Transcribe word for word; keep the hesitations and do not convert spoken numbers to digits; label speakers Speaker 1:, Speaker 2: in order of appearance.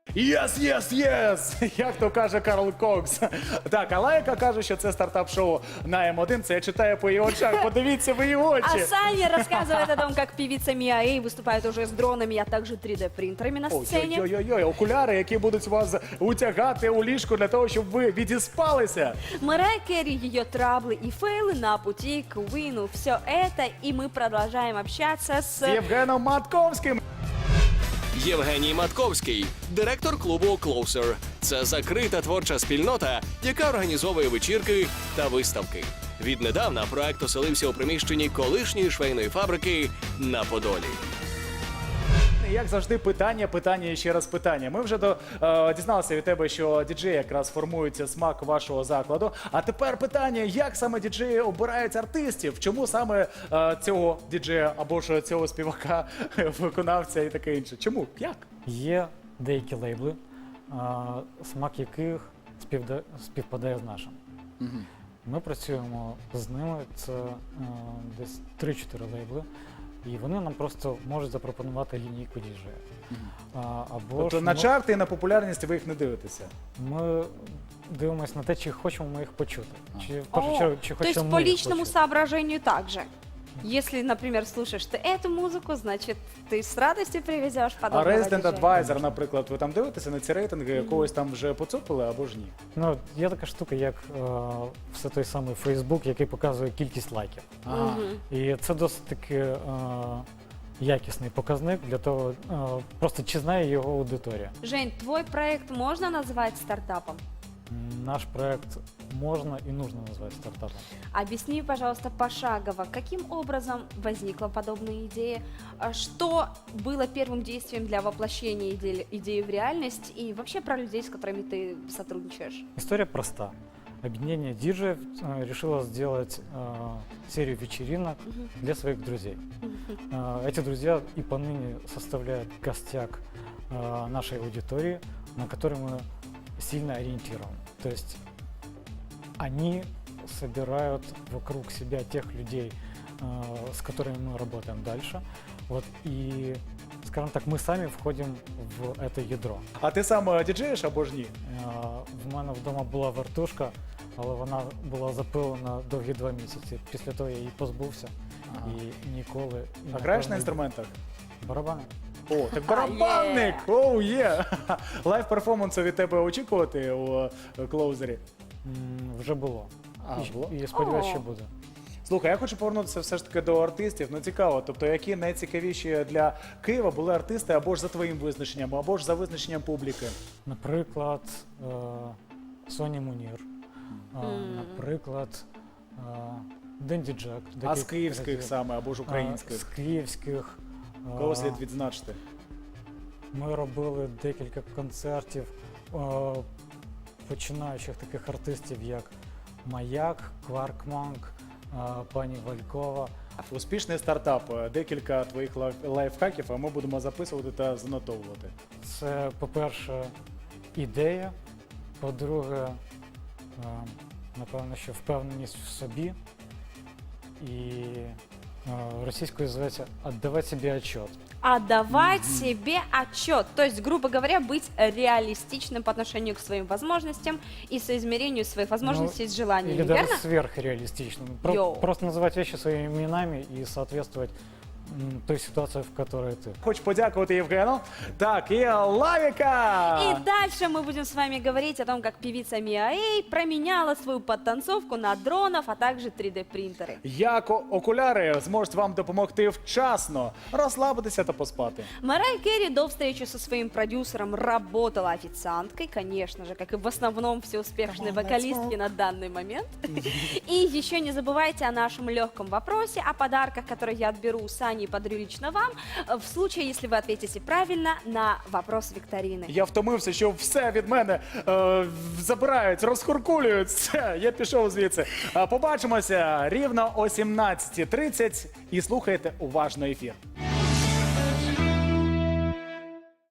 Speaker 1: Єс, єс, єс! Як то каже Карл Кокс. Так, а Лайка каже, що це стартап-шоу на М один. Це я читаю по її очах. Подивіться в її очі.
Speaker 2: А Саня рассказывает о том, как певица Миа Эй выступает уже с дронами, а также три дэ принтерами на сцене.
Speaker 1: Ой-ой-ой, окуляри, які будуть вас утягати у ліжку для того, щоб ви відіспалися.
Speaker 2: Мэрайя Керри, ее траблы и фейлы на пути к Уину. Все это, и мы продолжаем общаться
Speaker 1: З
Speaker 2: с...
Speaker 1: Євгеном Матковським.
Speaker 3: Євгеній Матковський, директор клубу Closer. Це закрита творча спільнота, яка організовує вечірки та виставки. Віднедавна проект оселився у приміщенні колишньої швейної фабрики на Подолі.
Speaker 1: Як завжди, питання, питання і ще раз питання. Ми вже до, е, дізналися від тебе, що діджеї якраз формується смак вашого закладу. А тепер питання, як саме діджеї обирають артистів? Чому саме е, цього діджея або ж цього співака, виконавця і таке інше? Чому? Як?
Speaker 4: Є деякі лейбли, а, смак яких співда- співпадає з нашим. Ми працюємо з ними, це е, десь три-чотири лейбли, і вони нам просто можуть запропонувати лінійку діджея. А, або
Speaker 1: Тобто
Speaker 4: ж
Speaker 1: на
Speaker 4: ми-
Speaker 1: чарти і на популярність ви їх не дивитеся?
Speaker 4: Ми дивимося на те, чи хочемо ми їх почути. Чи, в
Speaker 2: О,
Speaker 4: першу чергу, чи
Speaker 2: то есть
Speaker 4: хочемо
Speaker 2: по
Speaker 4: ми їх
Speaker 2: личному
Speaker 4: почути.
Speaker 2: соображению также. Если, например, слушаешь ты эту музыку, значит, ты с радостью привезешь
Speaker 1: А
Speaker 2: подобного
Speaker 1: Resident
Speaker 2: диджея.
Speaker 1: Advisor, наприклад, ви там дивитеся на ці рейтинги, якогось там вже поцупили або ж ні?
Speaker 4: Ну, є така штука, як е, все той самий Фейсбук, який показує кількість лайків.
Speaker 1: Ага.
Speaker 4: І це досить таки е, якісний показник для того, е, просто чи знає його аудиторія.
Speaker 2: Жень, твой проект можно назвать стартапом?
Speaker 4: М, Наш проект можна і нужно назвати стартапом.
Speaker 2: Объясни, пожалуйста, пошагово, каким образом возникла подобная идея, а что было первым действием для воплощения идеи, идеи в реальность и вообще про людей, с которыми ты сотрудничаешь.
Speaker 4: История проста. Объединение диджеев э, решило сделать э, серию вечеринок для своих друзей. Э, эти друзья и поныне составляют костяк э, нашей аудитории, на которой мы сильно ориентированы. То есть они собирают вокруг себя тех людей, э, с которыми мы работаем дальше. Вот, и, скажем так, мы сами входим в это ядро.
Speaker 1: А ти сам е, діджеєш або ж ні?
Speaker 4: Е, В мене вдома була вертушка, але вона була запилена довгі два місяці. Після того я її позбувся
Speaker 1: Ага.
Speaker 4: і ніколи. і,
Speaker 1: А граєш
Speaker 4: напевно,
Speaker 1: на інструментах?
Speaker 4: Барабани.
Speaker 1: О, так барабанник! Оу, є! Лайв-перформансу від тебе очікувати у е, клоузері?
Speaker 4: М, Вже було.
Speaker 1: А,
Speaker 4: І-
Speaker 1: було?
Speaker 4: І сподіваюся,
Speaker 2: О.
Speaker 4: що буде.
Speaker 1: Слухай, я хочу повернутися все ж таки до артистів. Ну цікаво, тобто які найцікавіші для Києва були артисти або ж за твоїм визначенням, або ж за визначенням публіки?
Speaker 4: Наприклад, е, Соні Мунір, е, наприклад, е, Денді Джек.
Speaker 1: А з
Speaker 4: декілька
Speaker 1: київських
Speaker 4: разів.
Speaker 1: саме, або ж
Speaker 4: Е, З
Speaker 1: українських?
Speaker 4: київських. е,
Speaker 1: Кого слід відзначити?
Speaker 4: Ми робили декілька концертів е, починаючих таких артистів, як Маяк, Кваркманк, е, пані Валькова.
Speaker 1: Успішний стартап. Е, Декілька твоїх лайф- лайфхаків, а ми будемо записувати та занотовувати.
Speaker 4: Це, по-перше, ідея, по-друге, е, напевно, що впевненість в собі. І е, російською зветься «Отдавати собі отчет».
Speaker 2: Отдавать себе отчет, то есть, грубо говоря, быть реалистичным по отношению к своим возможностям и соизмерению своих возможностей с желаниями,
Speaker 4: Или даже
Speaker 2: верно?
Speaker 4: сверхреалистичным. Про-
Speaker 2: Йоу.
Speaker 4: просто называть вещи своими именами и соответствовать м, той ситуации, в которой ты.
Speaker 1: Хочу подякувати Євгену. Так, і Лавіка!
Speaker 2: И дальше мы будем с вами говорить о том, как певица Миа Эй променяла свою подтанцовку на дронов, а также три дэ принтеры.
Speaker 1: Як о- окуляри зможуть вам допомогти вчасно розслабитися та поспати.
Speaker 2: Мэрайя Керри до встречи со своим продюсером работала официанткой, конечно же, как и в основном все успешные вокалистки на данный момент. И еще не забывайте о нашем легком вопросе, о подарках, которые я отберу у Сани и подарю лично вам, в случае, если вы ответите правильно на вопрос викторины.
Speaker 1: Я втомився, що все від мене е, забирають, розхуркулюють. Все, я пішов звідси. Е, Побачимося рівно о сімнадцятій тридцять і слухайте уважно ефір.